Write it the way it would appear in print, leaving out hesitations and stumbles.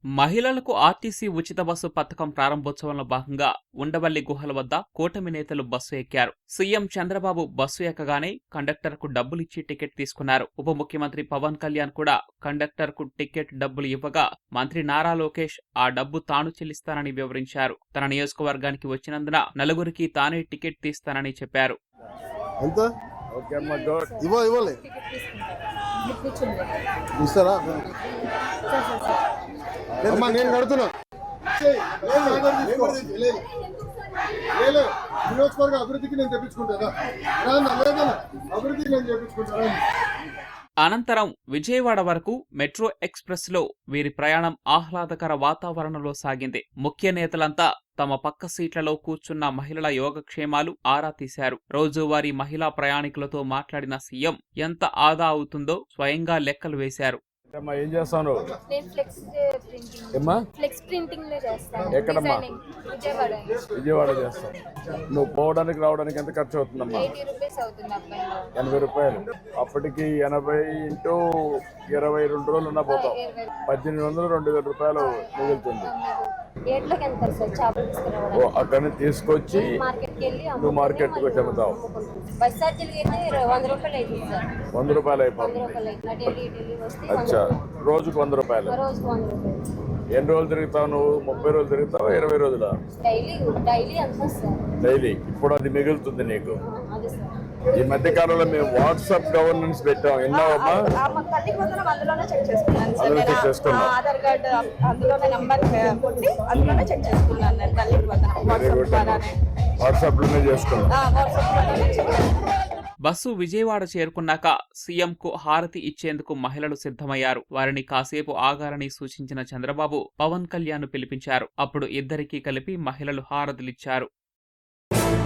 మహిళలకు ఆర్టీసీ ఉచిత బస్సు పథకం ప్రారంభోత్సవంలో భాగంగా ఉండవల్లి గుహల వద్ద కూటమి నేతలు బస్సు ఎక్కారు. సీఎం చంద్రబాబు బస్సు ఎక్కగానే కండక్టర్కు డబ్బులిచ్చి టికెట్ తీసుకున్నారు. ఉప ముఖ్యమంత్రి పవన్ కళ్యాణ్ కూడా కండక్టర్కు టికెట్ డబ్బులు ఇవ్వగా మంత్రి నారా లోకేష్ ఆ డబ్బు తాను చెల్లిస్తానని వివరించారు. తన నియోజకవర్గానికి వచ్చినందున నలుగురికి తానే టికెట్ తీస్తానని చెప్పారు. నేను కడుతున్నా నియోజకవర్గ అభివృద్ధికి నేను తెప్పించుకుంటారా అభివృద్ధికి నేను చేపించుకుంటారా. అనంతరం విజయవాడ వరకు మెట్రో ఎక్స్ప్రెస్ లో వీరి ప్రయాణం ఆహ్లాదకర వాతావరణంలో సాగింది. ముఖ్య నేతలంతా తమ పక్క సీట్లలో కూర్చున్న మహిళల యోగక్షేమాలు ఆరా తీశారు. రోజువారీ మహిళా ప్రయాణికులతో మాట్లాడిన సీఎం ఎంత ఆదా అవుతుందో స్వయంగా లెక్కలు వేశారు. ఏం చేస్తాను? ఎక్కడమ్మా? విజయవాడ చేస్తాను. నువ్వు పోవడానికి రావడానికి ఎంత ఖర్చు అవుతుందమ్మా? 80 రూపాయలు. అప్పటికి 80 × 22 రోజులు ఉన్నా పోతావు. 1800 2000 రూపాయలు మిగులుతుంది. అక్కడ నుంచి తీసుకొచ్చి నువ్వు మార్కెట్కి వచ్చి అమ్ముతావు. 100 రూపాయలు అయిపోతుంది. అచ్చా, రోజుకు 100 రూపాయలు. ఎన్ని రోజులు తిరుగుతావు నువ్వు? 30 రోజులు తిరుగుతావా? 20 రోజుల? డైలీ. ఇప్పుడు అది మిగులుతుంది నీకు. ఈ మధ్య కాలంలో మేము వాట్సాప్ గవర్నెన్స్ పెట్టాం. ఎన్నోమ్మా అందులో చెక్ చేసుకున్నాం. వాట్సాప్ లోనే చేసుకున్నాం. బస్సు విజయవాడ చేరుకున్నాక సీఎంకు హారతి ఇచ్చేందుకు మహిళలు సిద్ధమయ్యారు. వారిని కాసేపు ఆగాలని సూచించిన చంద్రబాబు పవన్ కళ్యాణ్ పిలిపించారు. అప్పుడు ఇద్దరికీ కలిపి మహిళలు హారతులిచ్చారు.